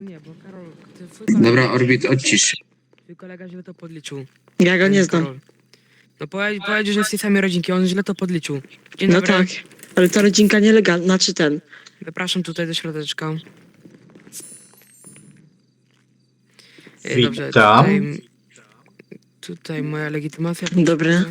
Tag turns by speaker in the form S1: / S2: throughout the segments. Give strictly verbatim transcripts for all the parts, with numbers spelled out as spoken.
S1: Nie, bo Karol, ty, twój kolega,
S2: Dobra, Orbit, odcisz.
S1: twój kolega źle to podliczył.
S3: Ja go nie znam.
S1: Karol. No powiedz, powiedział, że z tej samej rodzinki, on źle to podliczył. Dzień
S3: No
S1: dobry.
S3: tak, ale ta rodzinka nielegalna, znaczy ten.
S1: Zapraszam tutaj do środeczka. E, Dobrze,
S4: Witam.
S1: tutaj, tutaj moja legitymacja.
S3: Dobry.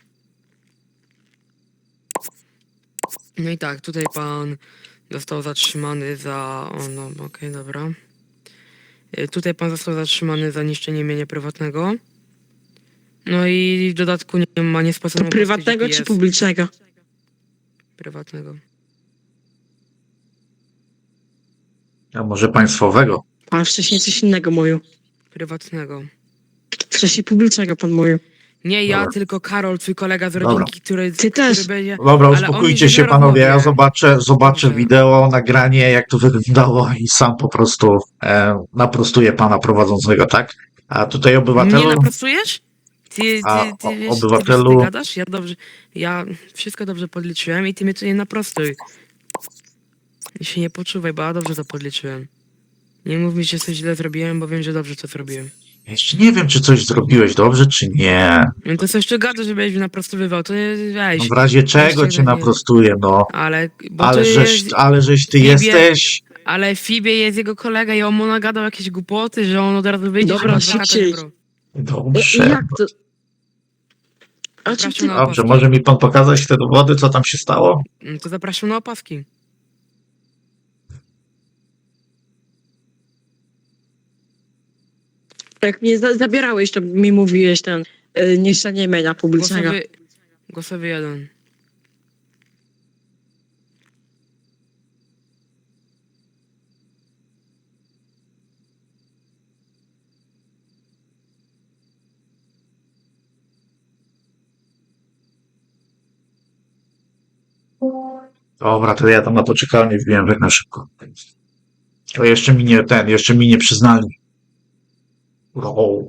S1: No i tak, tutaj pan został zatrzymany za... O, no, okej, dobra. E, Tutaj pan został zatrzymany za niszczenie mienia prywatnego. No i w dodatku nie ma niespłaconego
S3: Prywatnego czy publicznego?
S1: Prywatnego.
S4: A może państwowego?
S3: Pan wcześniej coś innego mówił.
S1: Prywatnego.
S3: Wcześniej publicznego pan mówił.
S1: Nie ja,
S4: Dobra.
S1: tylko Karol, twój kolega z
S4: Dobra.
S1: rodzinki, który,
S3: Ty
S1: który
S3: też.
S1: będzie...
S4: Dobra,
S1: Ale
S4: uspokójcie
S1: on
S4: się
S1: zaraz
S4: panowie, ja
S1: mówię.
S4: zobaczę, zobaczę
S1: Dobrze.
S4: wideo, nagranie, jak to wyglądało i sam po prostu e, naprostuję pana prowadzącego, tak? A tutaj
S1: Nie
S4: obywatelu,
S1: naprostujesz? Ty, ty,
S4: A,
S1: ty,
S4: o-
S1: wiesz, ty, wiesz,
S4: obywatelu-
S1: ty gadasz? Ja dobrze, ja wszystko dobrze podliczyłem i ty mnie tu nie naprostuj. I się nie poczuwaj, bo ja dobrze to podliczyłem. Nie mów mi, że coś źle zrobiłem, bo wiem, że dobrze to zrobiłem.
S4: jeszcze nie wiem, czy coś zrobiłeś dobrze, czy nie.
S1: No to coś tu gadasz, żebyś mnie naprostowywał, to nie,
S4: No
S1: weź.
S4: w razie czego
S1: Jeszcze
S4: cię
S1: nie.
S4: naprostuję, no.
S1: Ale, bo
S4: Ale
S1: to
S4: żeś,
S1: jest,
S4: ale żeś ty
S1: Libie-
S4: jesteś...
S1: ale Fibie jest jego kolega i on mu nagadał jakieś głupoty, że on od razu wyjdzie,
S3: Dobra,
S1: żeby adwokata
S3: szybciej.
S1: nie brał.
S3: I,
S4: Dobrze.
S3: jak to? A czy
S1: Zapraszam
S3: ty...
S1: na
S4: Dobrze,
S1: opaski.
S4: może mi pan pokazać te dowody, co tam się stało?
S1: No to zapraszam na opaski.
S3: Jak mnie za zabierałeś, to mi mówiłeś ten y, niszczenie mienia publicznego.
S1: Głosowy, głosowy jeden.
S4: Dobra, to ja tam na poczekalnię wbiłem tak na szybko. To jeszcze mi nie ten, jeszcze mi nie przyznali. O.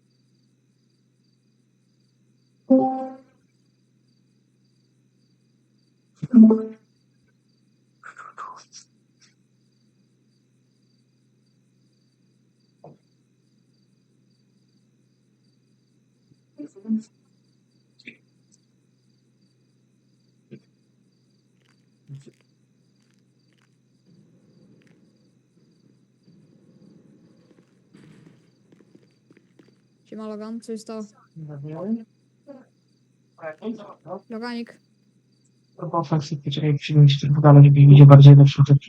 S5: Siema Logan, co się stało? Loganik,
S6: Chyba faktycznie, czekaj, chwilę mi się to pogadać, żeby widzieć bardziej lepszą rzecz.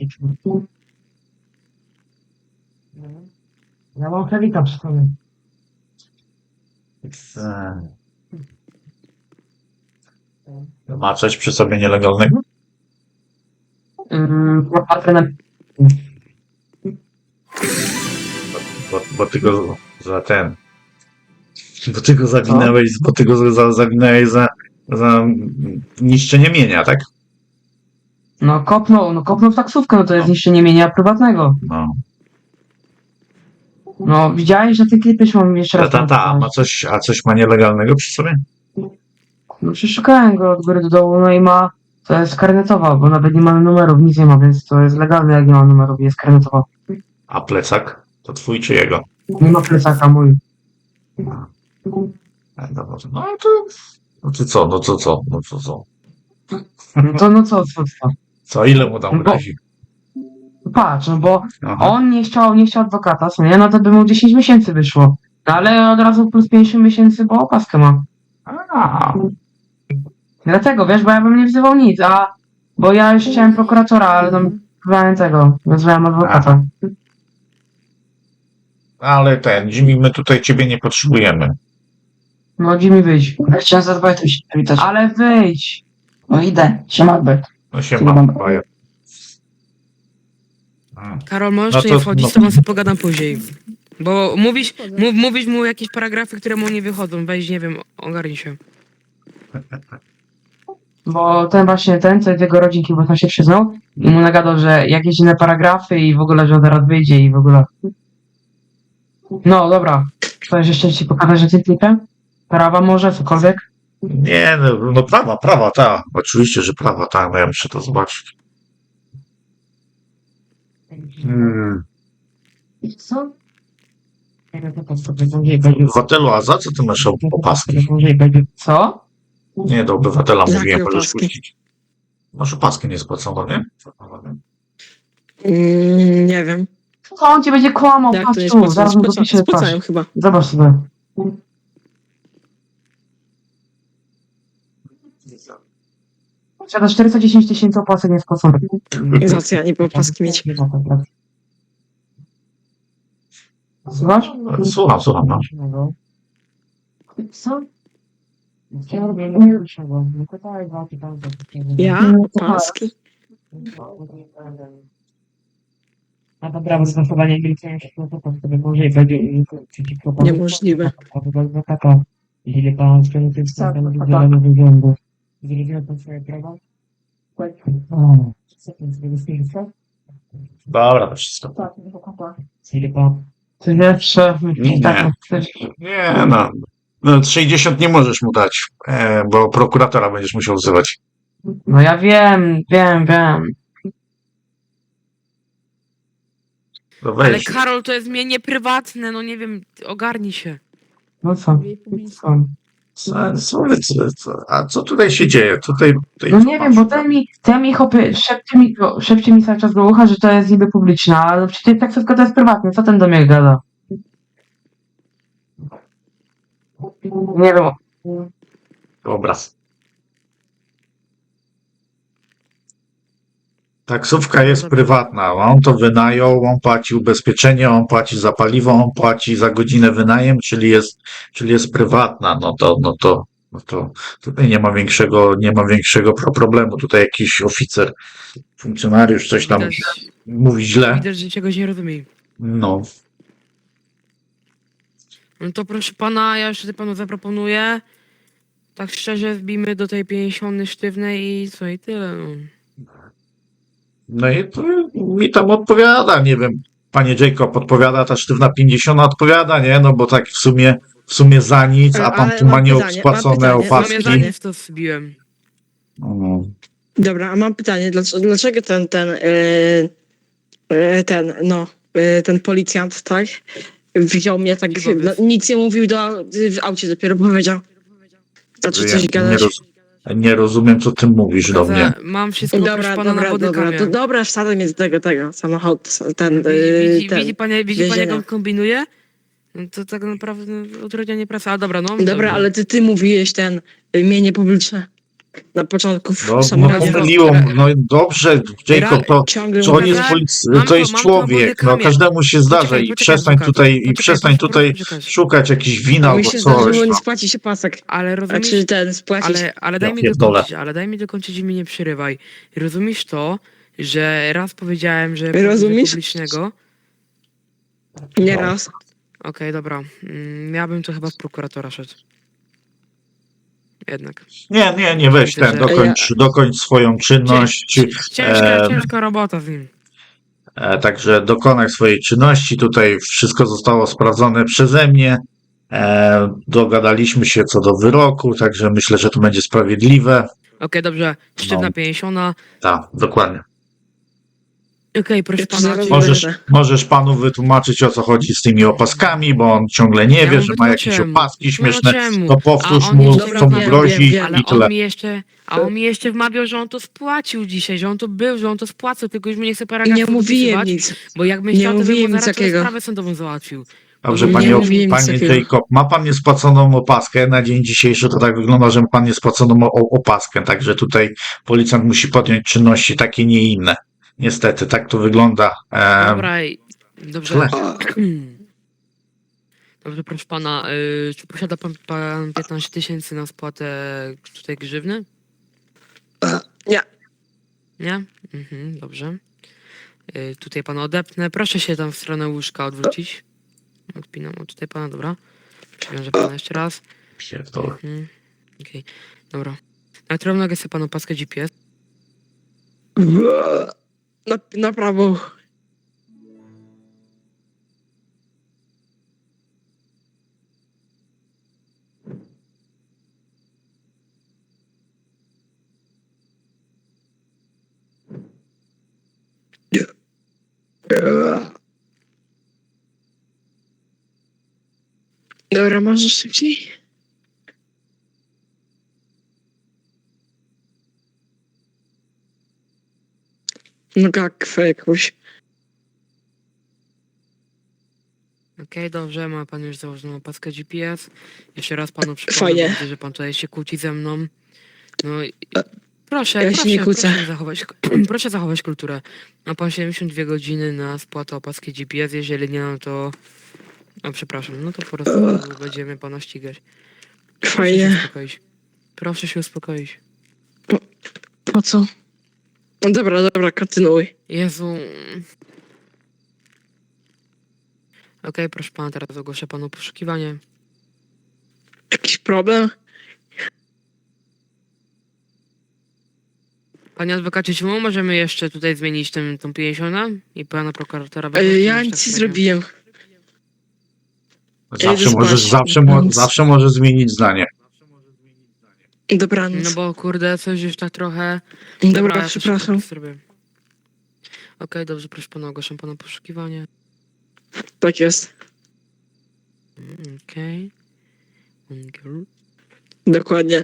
S6: Ja mam Helika przy sobie.
S4: Ma coś przy sobie nielegalnego?
S6: Yy, patrzę na...
S4: Bo, bo ty go za ten. Bo ty go zawinęłeś, bo ty go za, zawinęłeś za, za niszczenie mienia, tak?
S6: No kopnął, no kopnął w taksówkę, no to jest
S4: No.
S6: niszczenie mienia prywatnego.
S4: No.
S6: No widziałeś, że ty klipy mam jeszcze
S4: Ta,
S6: raz.
S4: ta, ta, a ma coś, a coś ma nielegalnego przy sobie?
S6: No przeszukałem go od góry do dołu, no i ma... To jest karnetowa, bo nawet nie ma numerów, nic nie ma, więc to jest legalne, jak nie ma numerów, jest karnetowa.
S4: A plecak? To twój czy jego?
S6: Nie ma plecaka mój.
S4: E, dobra, no to, no to co, no to co, no to co?
S6: No to no co, co, co?
S4: Co, ile mu tam
S6: Bo-
S4: grozi?
S6: Patrz, no bo
S4: Aha.
S6: on nie chciał, nie chciał adwokata, co nie? No to by mu dziesięć miesięcy wyszło. No ale od razu plus pięćdziesiąt miesięcy, bo opaskę ma.
S4: A,
S6: Dlatego, wiesz, bo ja bym nie wzywał nic, a... Bo ja już chciałem prokuratora, ale tam wzywałem tego, wezwałem adwokata.
S4: ale ten, Jimmy, my tutaj ciebie nie potrzebujemy.
S6: No Jimmy, wyjdź.
S7: Ja chciałem z Albertem się przywitać.
S6: Ale wyjdź!
S7: No idę. Siema Albert.
S4: No się
S7: Chyba
S4: ma,
S7: mam-
S4: baja. A,
S1: Karol, możesz
S4: No
S1: tu
S4: to-
S1: nie wchodzić,
S4: no.
S1: z tobą sobie pogadam później. Bo mówisz,
S5: Wchodzę.
S1: mów, mówisz mu jakieś paragrafy, które mu nie wychodzą. Weź, nie wiem, ogarnij się.
S6: Bo ten właśnie, ten, co jest jego rodzinki, bo tam się przyznał i mu nagadał, że jakieś inne paragrafy i w ogóle, że on zaraz wyjdzie i w ogóle. No, dobra. Chcesz jeszcze ci pokazać, że ty klipem? Prawa może, cokolwiek?
S4: Nie, no, no prawa, prawa, ta. Oczywiście, że prawa, ta, no ja muszę to zobaczyć. Hmm.
S6: Co? Będzie
S4: Obywatelu, a za co ty masz op- opaski?
S6: Co?
S4: Nie, do obywatela
S3: Jakie
S4: mówiłem, możesz
S3: opaski?
S4: puścić. Masz opaskę niespłaconą, nie?
S3: Mm, nie wiem.
S6: Co on ci będzie kłamał?
S3: Jak to
S6: Patrz
S3: nie
S6: tu,
S3: spłacają?
S6: zaraz mu
S3: Spłaca-
S6: dopiszę
S3: Spłacają
S6: twarz.
S3: chyba.
S6: Zobacz sobie. Posiada czterysta dziesięć tysięcy opłaceń niespłaconych.
S3: Za co ja nie opaski mieć?
S6: Słuchasz?
S4: Słucham, słucham, no.
S6: Co?
S3: Ja? Opaski?
S6: A dobra, bo zachowanie milczenia się to po sobie może i będzie przeciwko panu.
S3: Niemożliwe.
S6: Adwokata, jeżeli pan skierował tym stanem wydzielony wyglądu, zrozumiał pan swoje prawa? Tak. Co pan sobie stwierdził?
S4: Dobra, to wszystko.
S6: Tak, adwokata. Jeżeli pan... Czy jeszcze...
S4: Nie.
S6: Tak,
S4: Nie, no. No, sześćdziesiąt nie możesz mu dać, e, bo prokuratora będziesz musiał wzywać.
S6: no ja wiem, wiem, wiem.
S4: No
S1: Ale
S4: weź.
S1: Karol, to jest mienie prywatne, no nie wiem, ogarnij się.
S6: No co?
S5: Drzwi publiczne.
S6: Co?
S4: Co, co, co, co, a co tutaj się dzieje? Tutaj, tutaj
S6: No nie wiem, bo ten mi, ten mi chopy, szepcie mi, go- szepcie mi cały czas do ucha, że to jest niby publiczne, ale przecież tak wszystko to jest prywatne, co ten do mnie gada? Nie wiem,
S4: Obraz. Taksówka jest prywatna, on to wynajął, on płaci ubezpieczenie, on płaci za paliwo, on płaci za godzinę wynajem, czyli jest, czyli jest prywatna, no to, no to, no to tutaj nie ma większego, nie ma większego pro- problemu. Tutaj jakiś oficer, funkcjonariusz coś tam
S1: Widać,
S4: mówi źle,
S1: widać, że czegoś nie rozumie.
S4: no.
S1: No to proszę pana, ja jeszcze panu zaproponuję. Tak szczerze wbijmy do tej pięćdziesiątnej sztywnej i co, i tyle. No.
S4: No i to mi tam odpowiada, nie wiem, panie Jacob odpowiada, ta sztywna pięćdziesiąt odpowiada, nie, no bo tak w sumie, w sumie za nic, a pan
S3: Ale
S4: tu ma
S3: mam pytanie, mam
S4: nieodpłacone
S3: pytanie, mam
S4: opaski.
S1: Zomiedzanie w to wbiłem.
S4: No.
S3: Dobra, a mam pytanie, dlaczego, dlaczego ten, ten, yy, yy, ten, no, yy, ten policjant, tak, wziął mnie tak,
S1: Dziwowiec.
S3: no, nic nie mówił do, w aucie dopiero powiedział. Znaczy
S4: Ja
S3: coś
S4: nie,
S3: gadać.
S4: roz, nie rozumiem, co ty mówisz do mnie.
S1: Mam wszystko proszę
S3: Dobra,
S1: pana na
S3: dobra, dobra,
S1: bodykamie.
S3: to dobra, wsadzę mnie z tego, tego, samochód, ten,
S1: Widzi,
S3: yy,
S1: widzi,
S3: ten.
S1: widzi pan, widzi pan jak
S3: więzienia.
S1: on kombinuje? No to tak naprawdę utrudnianie pracy, ale dobra, no.
S3: Dobra, ale ty, ty mówiłeś ten, y, mienie publiczne na początku w
S4: No, no
S3: samochodzie.
S4: pomyliło, no i dobrze, Jacob, to,
S3: Ciągle
S4: że on
S3: mówię,
S4: jest,
S1: Mam
S4: polic-
S1: to-
S4: to jest
S1: mam to
S4: człowiek, no
S1: bodykamie.
S4: każdemu się zdarza
S1: Poczekaj,
S4: i
S1: poczekaj,
S4: przestań
S1: adwokat,
S4: tutaj, i
S1: poczekaj,
S4: przestań
S1: proszę,
S4: tutaj
S1: proszę poczekać.
S4: szukać jakichś win
S3: a mi
S4: albo
S3: się zdarzyło
S4: coś.
S3: nie
S4: No.
S3: spłaci się pasek.
S1: Ale rozumiesz,
S3: Znaczy ten, spłacić.
S1: ale, ale daj
S4: Ja
S1: mi
S4: pierdolę.
S1: dokończyć, ale daj mi dokończyć i mi nie przerywaj. Rozumiesz to, że raz powiedziałem, że
S3: Rozumiesz?
S1: publicznego.
S3: Nie
S4: No.
S3: raz.
S1: Okej, dobra. Mm, ja bym to chyba w prokuratora szedł. Jednak.
S4: Nie, nie, nie, weź ten, dokończ, dokończ swoją czynność.
S1: Ciężka,
S4: e,
S1: ciężka robota z nim.
S4: E, Także dokonaj swojej czynności. Tutaj wszystko zostało sprawdzone przeze mnie. E, Dogadaliśmy się co do wyroku, także myślę, że to będzie sprawiedliwe.
S1: Okej, dobrze. Sztywna
S4: No.
S1: pięćdziesiąt.
S4: Tak, dokładnie.
S1: Okej, proszę
S3: Ja to
S1: pana.
S3: zaraz
S1: czy-
S4: Możesz,
S3: będę.
S4: możesz panu wytłumaczyć, o co chodzi z tymi opaskami, bo on ciągle nie
S1: Ja
S4: wie,
S1: mu
S4: że ma jakieś
S1: wytłumaczyłem.
S4: opaski śmieszne.
S1: Wytłumaczyłem mu.
S4: To powtórz
S1: A on
S4: mu,
S1: jeszcze
S4: co mu
S3: wiem,
S4: grozi
S3: wiem, wiem,
S1: Ale
S4: i tyle.
S1: on mi jeszcze, a on mi jeszcze wmawiał, że on to spłacił dzisiaj, że on to był, że on to spłacał, tylko już mi nie chce
S3: I
S1: paragrafu
S3: nie mówiłem
S1: dopisywać,
S3: nic.
S1: Bo jakbym
S3: nie
S1: chciał, to bym
S3: mówiłem
S1: mu
S3: nic
S1: zaraz
S3: takiego.
S1: sprawę sądową załatwił.
S4: Dobrze,
S1: Nie
S4: panie,
S3: mówiłem nic
S4: panie
S3: takiego.
S4: Jacob, ma pan niespłaconą opaskę. Na dzień dzisiejszy to tak wygląda, że ma pan niespłaconą o- opaskę, także tutaj policjant musi podjąć czynności takie, nie inne. Niestety, tak to wygląda. E,
S1: Dobra, i- dobrze.
S4: źle.
S1: Dobrze, proszę pana, y, czy posiada pan, pan piętnaście tysięcy na spłatę tutaj grzywny?
S3: Nie.
S1: Nie? Mhm, dobrze. Y, tutaj pana odepnę. Proszę się tam w stronę łóżka odwrócić. Odpinam od tutaj pana, dobra. Przywiążę pana jeszcze raz.
S4: Pierdolę.
S1: Mhm. Okej, dobra. Na którą nogę sobie panu paskę G P S?
S3: Na, na prawo. Dobra, możesz szybciej? No gakwę jakąś.
S1: Okej, dobrze, ma pan już założoną opaskę G P S. Jeszcze raz panu przypomnę,
S3: Fajnie.
S1: bo widzę, że pan tutaj się kłóci ze mną. No i proszę,
S3: ja się
S1: proszę,
S3: nie kłócę.
S1: proszę zachować, proszę zachować kulturę. Ma pan siedemdziesiąt dwie godziny na spłatę opaski G P S, jeżeli nie, no to... A przepraszam, no to po prostu będziemy pana ścigać. Proszę się
S3: Fajnie.
S1: uspokoić. Proszę się uspokoić.
S3: Po co? No dobra, dobra, kontynuuj.
S1: Jezu. Okej, proszę pana, teraz ogłoszę panu poszukiwanie.
S3: Jakiś problem?
S1: Panie adwokacie, czy my możemy jeszcze tutaj zmienić ten, tą pięćdziesiątkę i pana prokuratora?
S3: E,
S1: wypuścić
S3: ja
S1: już
S3: nic
S1: tak
S3: nie
S1: średnio?
S3: zrobiłem.
S4: Zawsze
S3: idę
S4: możesz,
S3: spać,
S4: zawsze, mo,
S3: więc-
S4: zawsze możesz zmienić zdanie.
S3: Dobranoc.
S1: No bo kurde, coś już tak trochę...
S3: Dobra,
S1: ja to
S3: przepraszam.
S1: szybko zrobię. Okej, dobrze, proszę pana, ogłaszam pana poszukiwanie.
S3: Tak jest.
S1: Mm, Okej. Okay.
S3: Dokładnie.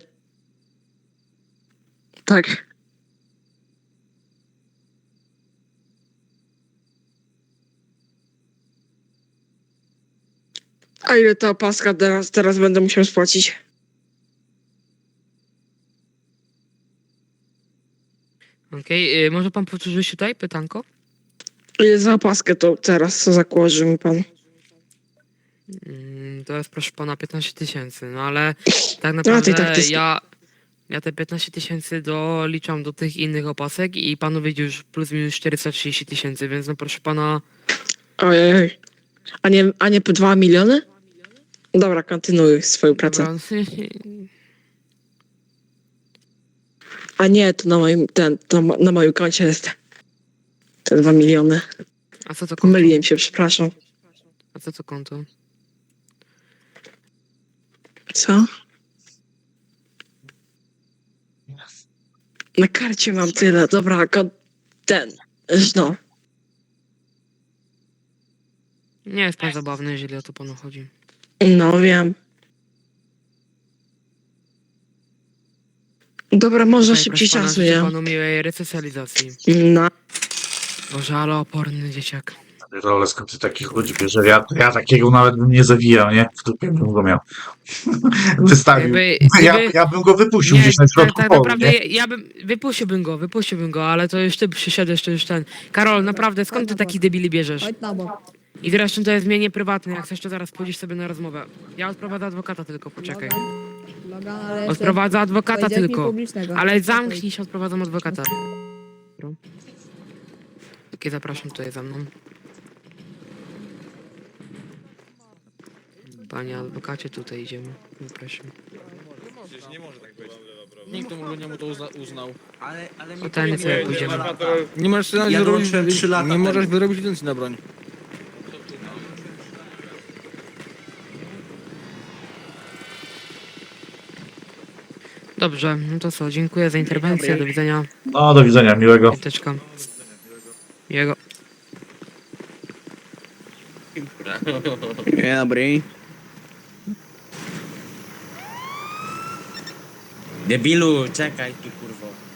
S3: Tak. A ile ta opaska teraz, teraz będę musiał spłacić?
S1: Okej, y, może pan powtórzyć tutaj pytanko?
S3: Ile za opaskę to teraz co zakłoży mi pan?
S1: Mm, To jest proszę pana piętnaście tysięcy, no ale tak
S3: No,
S1: naprawdę
S3: to i tak to jest-
S1: ja, ja te piętnaście tysięcy doliczam do tych innych opasek i panu wyjdzie już plus minus czterysta trzydzieści tysięcy, więc no proszę pana,
S3: Ojej. A nie, a nie po dwa miliony? Dobra, kontynuuj swoją pracę.
S1: dobra,
S3: A nie, to na moim, ten, to ma- na moim koncie jest te dwa miliony.
S1: a co to konto?
S3: Pomyliłem się, przepraszam.
S1: A co to konto?
S3: Co? Na karcie mam tyle, dobra, kon- ten, no.
S1: Nie jest pan zabawny, jeżeli o to panu chodzi.
S3: No wiem. Dobra, może
S1: Okej,
S3: szybciej
S1: proszę pana,
S3: czasu,
S1: życzę
S3: nie?
S1: panu miłej resocjalizacji.
S3: No.
S1: Boże, ale oporny dzieciak.
S4: Ale skąd ty takich ludzi bierze? Ja, ja takiego nawet bym nie zawijał, nie? W dupie bym go miał. Wystawił.
S1: Jakby,
S4: Ja,
S1: jakby-
S4: ja bym go wypuścił
S1: Nie,
S4: gdzieś na
S1: tak,
S4: środku
S1: tak
S4: polu,
S1: naprawdę
S4: nie?
S1: ja, ja bym, wypuściłbym go, wypuściłbym go, ale to już ty przyszedłeś, to już ten. Karol, naprawdę, skąd ty taki debili bierzesz?
S5: Chodź na bok.
S1: I zresztą to jest mienie prywatne, jak chcesz to zaraz pójdziesz sobie na rozmowę. Ja odprowadzę adwokata tylko, poczekaj.
S5: Logan, Logan, ale jeszcze...
S1: Odprowadzę adwokata
S5: powiedziałeś mi
S1: tylko.
S5: publicznego.
S1: Ale
S5: Spokój.
S1: zamknij się, odprowadzam adwokata. Okej, zapraszam tutaj za mną. Panie adwokacie, tutaj idziemy. Zapraszam.
S2: Nikt mu nie mu to uzna, uznał.
S8: Ale, ale mi
S1: O ten
S8: powiedz,
S1: sobie
S8: jak
S1: pójdziemy.
S8: dwa lata.
S2: Nie możesz sobie
S8: Ja
S2: wyrobić,
S8: dołączyłem trzy lata
S2: nie
S8: temu.
S2: możesz wyrobić licencji na broń.
S1: Dobrze, no to co, dziękuję za interwencję, do widzenia.
S4: No, do widzenia, miłego.
S1: Piąteczka. Jego.
S2: Dzień dobry.
S8: Debilu, czekaj tu kurwo.